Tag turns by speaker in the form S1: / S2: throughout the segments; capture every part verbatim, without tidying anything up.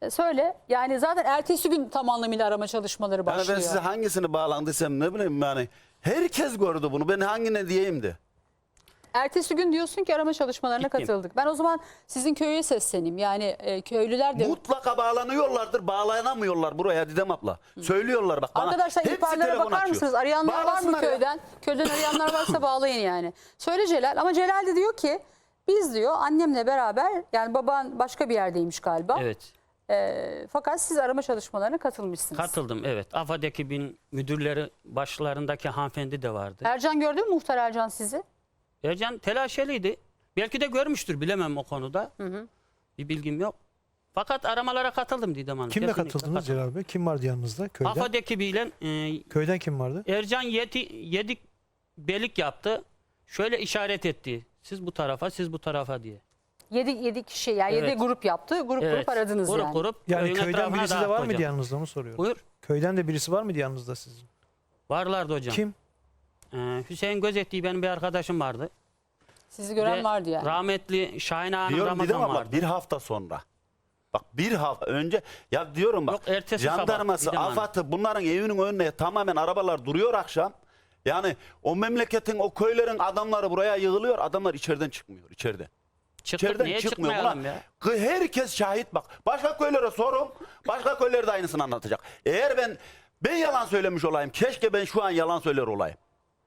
S1: E, söyle. Yani zaten ertesi gün tam anlamıyla arama çalışmaları
S2: Yani
S1: başlıyor.
S2: ben size hangisini bağlandıysam ne bileyim yani. Herkes gördü bunu. Ben hangine diyeyim de.
S1: Ertesi gün diyorsun ki arama çalışmalarına
S3: Gittim.
S1: katıldık. Ben o zaman sizin köye sesleneyim. Yani e, köylüler de...
S2: Mutlaka bağlanıyorlardır. Bağlanamıyorlar buraya Didem abla. Söylüyorlar bak bana.
S1: Arkadaşlar
S2: Hepsi
S1: ihbarlara
S2: telefon
S1: bakar
S2: açıyor.
S1: mısınız? Arayanlar var mı
S2: Bağlasınlar ya.
S1: köyden? Köyden arayanlar varsa bağlayın yani. Söyle Celal. Ama Celal de diyor ki biz diyor annemle beraber, yani baban başka bir yerdeymiş galiba.
S3: Evet.
S1: E, fakat siz arama çalışmalarına katılmışsınız.
S3: Katıldım, evet. AFAD ekibin müdürleri başlarındaki hanımefendi de vardı.
S1: Ercan gördü mü muhtar Ercan sizi?
S3: Ercan telaşeliydi. Belki de görmüştür, bilemem o konuda.
S1: Hı hı.
S3: Bir bilgim yok. Fakat aramalara katıldım Didem Hanım.
S4: Kimle
S3: Kesinlikle
S4: katıldınız
S3: katıldım.
S4: Celal Bey? Kim vardı yanınızda köyden?
S3: AFAD ekibiyle e,
S4: Köyden kim vardı?
S3: Ercan yedi, yedi belik yaptı. Şöyle işaret etti. Siz bu tarafa, siz bu tarafa diye.
S1: Yedi, yedi kişi yani
S3: Evet.
S1: yedi grup yaptı. Grup
S3: Evet.
S1: grup aradınız
S3: grup,
S1: yani.
S3: Grup
S4: Yani
S3: köyün
S4: köyden
S3: etrafına
S4: birisi de
S3: dağıttı
S4: var mıydı
S3: hocam.
S4: yanınızda mı soruyorum?
S3: Buyur.
S4: Köyden de birisi var mıydı yanınızda sizin?
S3: Varlardı hocam.
S4: Kim?
S3: Ee, Hüseyin Gözettiği benim bir arkadaşım vardı.
S1: Sizi gören
S3: Ve
S1: vardı yani.
S3: Rahmetli Şahin Ağa'nın
S2: Diyorum Didem
S3: Ramazan
S2: abla
S3: vardı.
S2: bir hafta sonra. Bak bir hafta önce ya diyorum bak.
S3: Yok, ertesi sabah
S2: jandarması,
S3: Didem Hanım.
S2: AFAD'ı bunların evinin önüne tamamen arabalar duruyor akşam. Yani o memleketin, o köylerin adamları buraya yığılıyor. Adamlar içeriden çıkmıyor, içeriden.
S3: Çıktık,
S2: İçeriden
S3: niye
S2: çıkmıyor.
S3: çıkmayalım
S2: Buna
S3: ya?
S2: herkes şahit bak. Başka köylere sorun. Başka köyler de aynısını anlatacak. Eğer ben ben yalan söylemiş olayım. Keşke ben şu an yalan söyler olayım.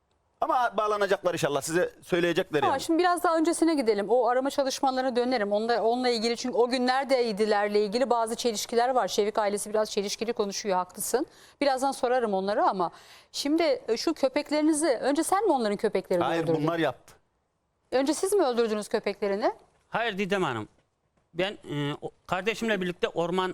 S2: Ama bağlanacaklar inşallah. Size söyleyecekler
S1: Ama
S2: yani.
S1: şimdi biraz daha öncesine gidelim. O arama çalışmalarına dönerim. Onunla, onunla ilgili, çünkü o gün neredeydilerle ilgili bazı çelişkiler var. Şevik ailesi biraz çelişkili konuşuyor, haklısın. Birazdan sorarım onları ama şimdi şu köpeklerinizi, önce sen mi onların köpeklerini
S2: Hayır
S1: öldürdün?
S2: bunlar yaptı.
S1: Önce siz mi öldürdünüz köpeklerini?
S3: Hayır Didem Hanım. Ben e, o- kardeşimle birlikte orman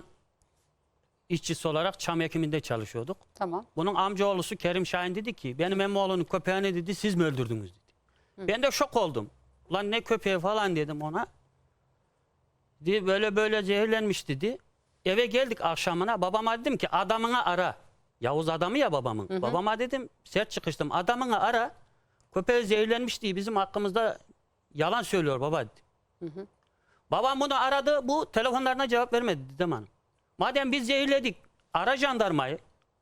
S3: işçisi olarak çam ekiminde çalışıyorduk.
S1: Tamam.
S3: Bunun amcaoğlusu Kerim Şahin dedi ki benim emmoğlunun köpeğini dedi siz mi öldürdünüz dedi. Ben de şok oldum. Lan ne köpeği falan dedim ona. Dedi, böyle böyle zehirlenmiş dedi. Eve geldik akşamına, babama dedim ki adamını ara. Yavuz adamı ya babamın.
S1: Hı hı.
S3: Babama dedim, sert çıkıştım. Adamını ara. Köpeği zehirlenmiş diye bizim hakkımızda yalan söylüyor baba dedi.
S1: Hı hı.
S3: Babam bunu aradı. Bu telefonlarına cevap vermedi Didem Hanım. Madem biz zehirledik, ara jandarmayı.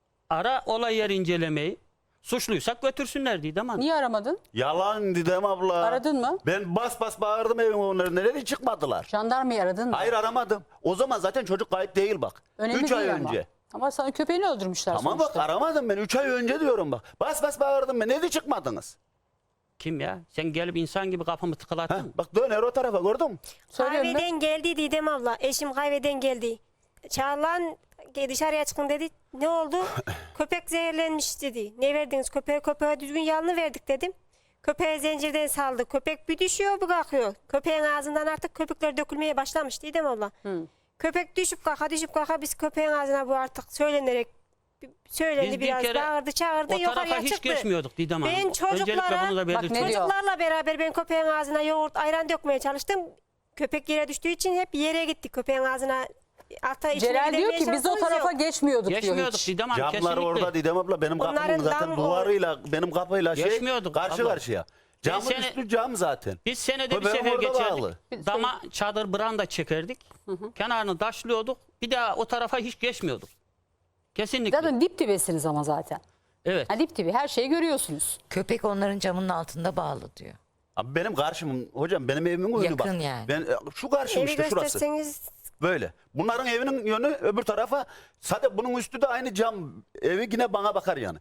S3: Ara olay yeri incelemeyi. Suçluysak götürsünler Didem Hanım.
S1: Niye aramadın?
S2: Yalan Didem abla.
S1: Aradın mı?
S2: Ben bas bas bağırdım evin onları. Nerede çıkmadılar?
S1: Jandarmayı aradın mı?
S2: Hayır aramadım. O zaman zaten çocuk kayıp değil bak.
S1: Önemli
S2: Üç ay
S1: değil ama.
S2: önce.
S1: Ama sana köpeğini öldürmüşler
S2: Tamam
S1: sonuçta.
S2: bak aramadım ben. Üç ay önce diyorum bak. Bas bas bağırdım ben. Nerede çıkmadınız?
S3: Kim ya? Sen gelip insan gibi kapımı tıkalattın
S2: Heh,
S3: mı?
S2: bak döner o tarafa gördün mü?
S1: Söylüyorum ben.
S5: Kahveden geldi Didem abla. Eşim kahveden geldi. Çağlan dışarıya çıkın dedi. Ne oldu? Köpek zehirlenmiş dedi. Ne verdiniz köpeğe? Köpeğe düzgün yalını verdik dedim. Köpeğe zincirden saldı. Köpek bir düşüyor bir kalkıyor. Köpeğin ağzından artık köpükler dökülmeye başlamış Didem abla.
S1: Hı.
S5: Köpek düşüp kalka düşüp kalka biz köpeğin ağzına bu artık söylenerek söylendi
S3: Biz bir
S5: biraz
S3: kere
S5: bağırdı çağırdı
S3: O tarafa
S5: yukarıya
S3: hiç
S5: çıktı.
S3: geçmiyorduk Didem Hanım.
S5: Ben çocuklara-
S3: Öncelikle bunu da
S1: Bak ne
S3: belirtiyorum.
S1: diyor?
S5: Çocuklarla beraber ben köpeğin ağzına yoğurt, ayran dökmeye çalıştım. Köpek yere düştüğü için hep yere gitti köpeğin ağzına. Alta içine
S1: Celal diyor
S5: gidemeye
S1: ki biz o
S5: şansımız
S1: tarafa
S5: yok.
S1: geçmiyorduk,
S3: Geçmiyorduk
S1: diyor hiç.
S3: Didem Hanım,
S2: Camlar
S3: kesinlikle.
S2: orada Didem abla. Benim kapımın
S5: Onların
S2: zaten
S5: dam-
S2: duvarıyla benim kapıyla şey
S3: Geçmiyorduk
S2: karşı
S3: abla.
S2: karşıya. Camın
S3: seni-
S2: üstü cam zaten.
S3: Biz senede bir
S2: Köpeğim
S3: sefer
S2: orada
S3: geçerdik.
S2: bağlı.
S3: Dama çadır branda çekerdik. Kenarını taşlıyorduk. Bir daha o tarafa hiç geçmiyorduk. Kesinlikle.
S1: Zaten dip dibesiniz ama zaten.
S3: Evet.
S1: Ha, dip dibi her şeyi görüyorsunuz.
S6: Köpek onların camının altında bağlı diyor.
S2: Abi benim karşım hocam benim evimin önü bak.
S6: Yakın yani.
S2: Ben şu karşım
S5: Evi
S2: işte şurası.
S5: gösterseniz
S2: Böyle. Bunların evinin yönü öbür tarafa. Zaten bunun üstü de aynı cam. Evi yine bana bakar yani.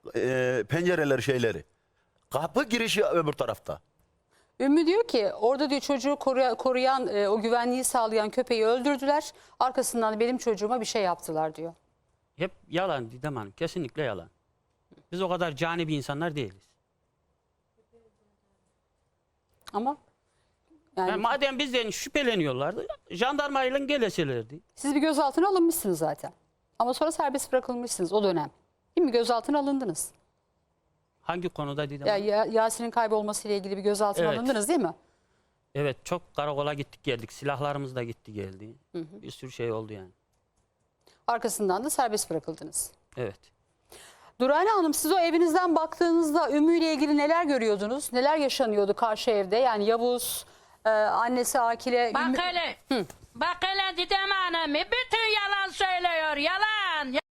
S2: Ee, pencereleri şeyleri. Kapı girişi öbür tarafta.
S1: Ümmü diyor ki orada diyor çocuğu koruya- koruyan, e, o güvenliği sağlayan köpeği öldürdüler. Arkasından da benim çocuğuma bir şey yaptılar diyor.
S3: Hep yalan Didem Hanım. Kesinlikle yalan. Biz o kadar cani bir insanlar değiliz.
S1: Ama yani
S3: Yani madem bizden şüpheleniyorlardı, jandarmayla geleselerdi.
S1: siz bir gözaltına alınmışsınız zaten. Ama sonra serbest bırakılmışsınız o dönem. Değil mi? Gözaltına alındınız.
S3: Hangi konuda Didem
S1: Ya,
S3: Hanım?
S1: ya Yasin'in kaybolmasıyla ilgili bir gözaltına
S3: Evet.
S1: alındınız değil mi?
S3: Evet, çok karakola gittik geldik. Silahlarımız da gitti geldi. Bir sürü şey oldu yani.
S1: Arkasından da serbest bırakıldınız.
S3: Evet.
S1: Durane Hanım, siz o evinizden baktığınızda Ümmü ile ilgili neler görüyordunuz? Neler yaşanıyordu karşı evde? Yani Yavuz, e, annesi Akile...
S7: Bak
S1: Ümmü...
S7: hele. Bak hele Didem Hanım. Bütün söylüyor yalan. Ya-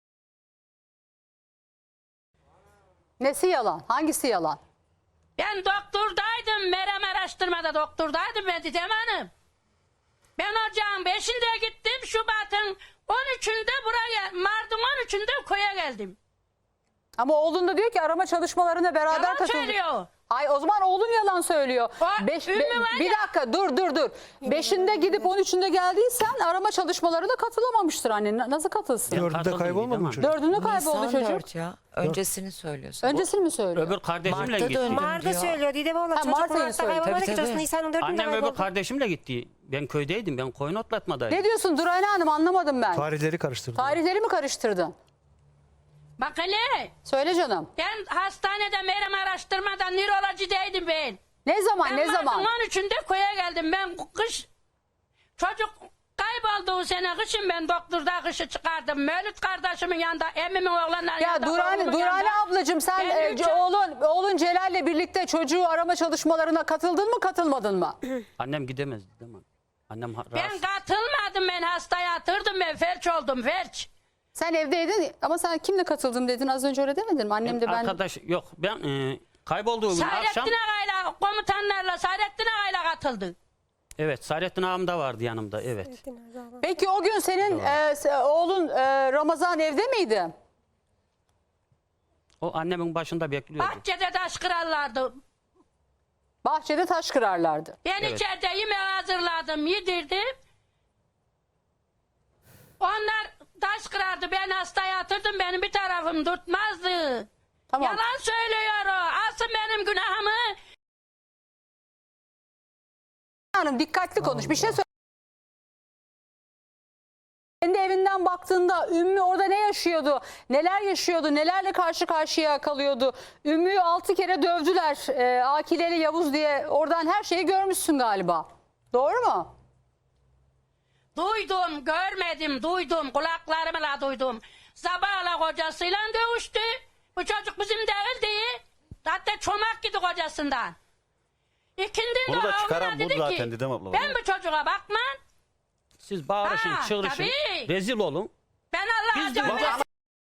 S1: Nesi yalan? Hangisi yalan?
S7: Ben doktordaydım. Merem araştırmada doktordaydım ben Didem Hanım. Ben ocağın beşinde gittim. Şubat'ın on üçünde buraya, Mart'ın on üçünde köye geldim.
S1: Ama oğlun da diyor ki arama çalışmalarına beraber
S7: Yalan
S1: katıldık.
S7: söylüyor.
S1: Ay o zaman oğlun yalan söylüyor.
S7: O
S1: Beş,
S7: Ümmü
S1: be-
S7: var
S1: bir
S7: ya-
S1: dakika dur dur dur. Beşinde gidip on üçünde geldiysen arama çalışmalarına katılamamıştır annen. Na- Nasıl katılsın?
S3: Yok.
S4: Dördünde
S3: katıldım
S4: kaybolmadı
S3: Didem
S4: mı
S3: Hanım.
S4: çocuk?
S1: Dördünde kayboldu
S6: Nisan
S1: çocuk.
S6: dört ya. Öncesini söylüyorsun.
S1: Öncesini mi söylüyor?
S3: Öbür kardeşimle
S6: Mart'ta
S3: gitti.
S6: döndüm
S5: Mart'ta
S6: diyor.
S5: söylüyor Didem abla.
S1: Ha,
S5: Çocuk
S1: Mart ayı
S5: Mart'ta
S1: söylüyor.
S5: kaybolmadı
S6: Tabii,
S5: ki çocuk
S6: tabii.
S5: Nisan'ın dördünde
S3: Annem öbür
S5: kayboldu.
S3: kardeşimle gitti. Ben köydeydim. Ben koyun otlatmadaydım.
S1: Ne diyorsun Durayna Hanım, anlamadım ben.
S4: Tarihleri karıştırdı.
S1: Tarihleri mi karıştırdın?
S7: Bak hele.
S1: Söyle canım.
S7: Ben hastanede Merem araştırmada nörolojideydim ben.
S1: Ne zaman
S7: Ben
S1: ne
S7: Mart'ın
S1: zaman?
S7: on üçünde köye geldim. Ben kış çocuk kayboldu o sene kışın ben doktorda kışı çıkardım. Mevlüt kardeşimin yanında, emmimin oğlanların
S1: Ya
S7: yanında.
S1: Durane,
S7: oğlumun
S1: Durane
S7: yanında.
S1: ablacığım sen
S7: Ben
S1: e,
S7: üç-
S1: oğlun oğlun Celal'le birlikte çocuğu arama çalışmalarına katıldın mı katılmadın mı?
S3: Annem gidemezdi değil mi? Annem ha-
S7: Ben
S3: rahatsız.
S7: katılmadım, ben hastaya yatırdım, ben felç oldum felç.
S1: Sen evdeydin ama sen kimle katıldın dedin az önce, öyle demedin mi? Annem de ben...
S3: Arkadaş yok ben e, kaybolduğu gün akşam
S7: Saadettin Ağa'yla komutanlarla Saadettin Ağa'yla katıldı.
S3: evet Saadettin ağam da vardı yanımda evet.
S1: Peki o gün senin e, se- oğlun e, Ramazan evde miydi?
S3: O annemin başında bekliyordu.
S7: Bahçede taş kırarlardı.
S1: Bahçede taş kırarlardı.
S7: Ben
S3: Evet.
S7: içeride yemeği hazırladım, yedirdim. Onlar taş kırardı, ben hasta yatırdım, benim bir tarafım tutmazdı.
S1: Tamam.
S7: Yalan söylüyor o. Alsın benim günahımı.
S1: Hanım dikkatli konuş. Bir şey söyle. Kendi evinden baktığında Ümmü orada ne yaşıyordu? Neler yaşıyordu? Nelerle karşı karşıya kalıyordu? Ümmü'yü altı kere dövdüler. E, Akileli Yavuz diye. Oradan her şeyi görmüşsün galiba. Doğru mu?
S7: Duydum, görmedim, duydum. Kulaklarımla duydum. Sabahla kocasıyla dövüştü. Bu çocuk bizim değildi. Hatta çomak gidi kocasından. İkindin
S2: Bunu
S7: de
S2: da çıkaran
S7: oğluna
S2: bu
S7: dedi
S2: zaten
S7: ki,
S2: Didem abla.
S7: ben bu çocuğa bakmam.
S3: Siz bağırışın,
S7: Ha,
S3: çığırışın,
S7: tabii.
S3: rezil olun.
S7: Ben Allah'a
S3: Biz de
S7: canım.
S3: bak-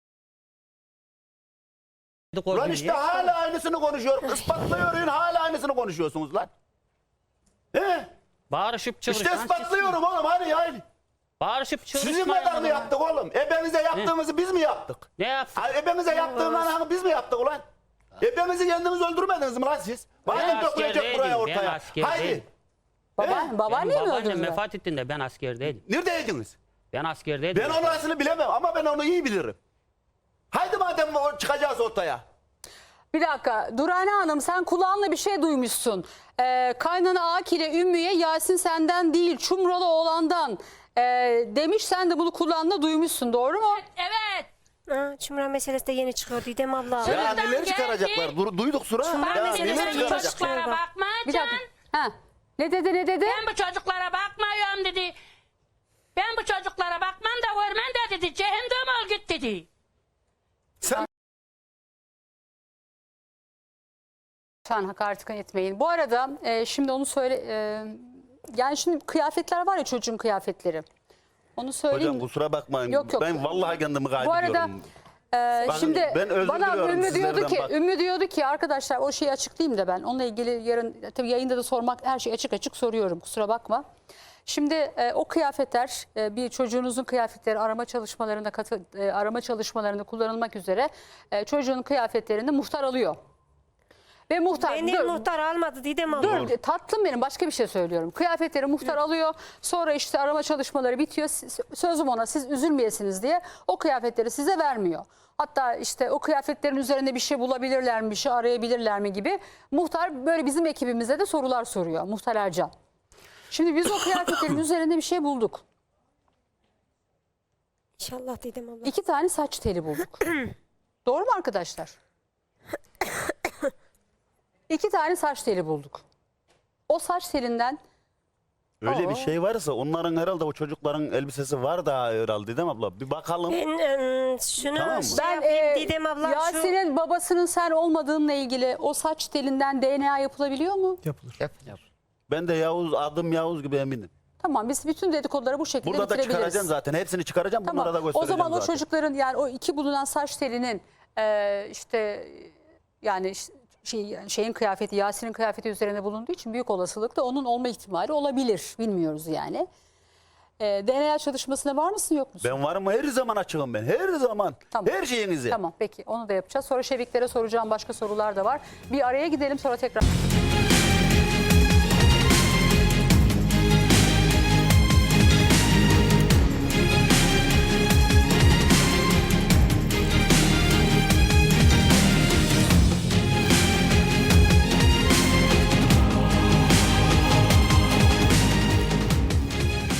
S2: Lan işte hala aynısını konuşuyor. Ispatlıyorum hala aynısını konuşuyorsunuz lan. He?
S3: Bağırışıp çığırışın.
S2: İşte ispatlıyorum oğlum hadi yani.
S3: Bağırışıp çığırışın.
S2: Sizin kadar mı yaptık oğlum? Ebenize yaptığımızı biz mi yaptık?
S3: Ne yaptık?
S2: Ay, ebemize yaptığımızı biz mi yaptık ulan? Ebemizi kendiniz öldürmediniz mi lan siz? Madem
S3: Ben
S2: dökülecek
S3: askerdeydim,
S2: buraya
S3: ben
S2: ortaya.
S3: askerdeydim.
S2: Haydi.
S1: Baba, babaanne mi
S3: Benim babaannem
S1: öldürdüler?
S3: vefat ettiğinde ben askerdeydim.
S2: Neredeydiniz?
S3: Ben askerdeydim.
S2: Ben orasını bilemem ama ben onu iyi bilirim. Haydi madem o- çıkacağız ortaya.
S1: Bir dakika Durane Hanım, sen kulağınla bir şey duymuşsun. Ee, kaynana Akile Ümmü'ye Yasin senden değil Çumralı oğlandan ee, demiş, sen de bunu kulağınla duymuşsun, doğru mu?
S7: Evet.
S5: Ha, Çumra meselesi de yeni çıkıyor Didem abla.
S2: Ya
S7: Sözden
S2: neler
S7: geldi.
S2: çıkaracaklar? Du- duyduk Sura.
S5: Çumra
S2: Ya
S5: meselesi
S2: neler
S5: de
S7: Bu
S2: çıkaracaklar?
S7: çocuklara
S5: çıkıyor.
S1: Bir
S7: bakmayacaksın.
S1: dakika. Ha. Ne dedi ne dedi?
S7: Ben bu çocuklara bakmıyorum dedi. Ben bu çocuklara bakmam da görmem de dedi. Cehennem ol git dedi.
S2: Sen
S1: Lütfen hakaret etmeyin. Bu arada e, şimdi onu söyle, e, yani şimdi kıyafetler var ya, çocuğun kıyafetleri. Onu söyleyeyim.
S2: hocam kusura bakmayın.
S1: Yok, yok.
S2: Ben vallahi kendimi
S1: Bu
S2: kaybediyorum.
S1: arada e,
S2: Bakın,
S1: şimdi
S2: ben özür
S1: bana
S2: diliyorum
S1: Ümmü diyordu
S2: sizlerden
S1: ki,
S2: bak.
S1: Ümmü diyordu ki arkadaşlar o şeyi açıklayayım da ben onunla ilgili yarın tabii yayında da sormak, her şeyi açık açık soruyorum, kusura bakma. Şimdi e, o kıyafetler e, bir çocuğunuzun kıyafetleri arama çalışmalarında katı, e, arama çalışmalarında kullanılmak üzere e, çocuğun kıyafetlerini muhtar alıyor. Ve muhtar
S5: Beni
S1: dur,
S5: muhtar almadı Didem abla.
S1: dur tatlım benim, başka bir şey söylüyorum. Kıyafetleri muhtar alıyor. Sonra işte arama çalışmaları bitiyor. Siz- Sözüm ona, siz üzülmeyesiniz diye o kıyafetleri size vermiyor. Hatta işte o kıyafetlerin üzerinde bir şey bulabilirler mi, bir şey arayabilirler mi gibi muhtar böyle bizim ekibimize de sorular soruyor. Muhtar Ercan. Şimdi biz o kıyafetlerin üzerinde bir şey bulduk.
S5: İnşallah Didem abla.
S1: İki tane saç teli bulduk. Doğru mu arkadaşlar? İki tane saç teli bulduk. O saç telinden
S2: Öyle bir
S1: Aa.
S2: şey varsa onların herhalde o çocukların elbisesi var da herhalde değil mi abla? Bir bakalım.
S5: Ben ım, şunu
S2: Tamam mı?
S5: şey
S1: ben
S5: yapayım
S1: e,
S5: Didem abla. şu...
S1: Yasin'in babasının sen olmadığınla ilgili o saç telinden D N A yapılabiliyor mu?
S4: Yapılır.
S6: Yapılır.
S2: Ben de Yavuz, adım Yavuz gibi eminim.
S1: Tamam, biz bütün dedikoduları bu şekilde
S2: Burada da
S1: bitirebiliriz.
S2: çıkaracağım zaten. Hepsini çıkaracağım.
S1: Tamam.
S2: Bunlara da
S1: O
S2: göstereceğim
S1: zaman o
S2: zaten.
S1: çocukların, yani o iki bulunan saç telinin e, işte yani işte şey, şeyin kıyafeti, Yasin'in kıyafeti üzerine bulunduğu için büyük olasılıkla onun olma ihtimali olabilir. Bilmiyoruz yani. E, D N A çalışmasına var mısın yok musun?
S2: Ben varım, her zaman açığım ben. Her zaman.
S1: Tamam.
S2: Her şeyinize.
S1: Tamam, peki onu da yapacağız. Sonra Şeviklere soracağım başka sorular da var. Bir araya gidelim, sonra tekrar...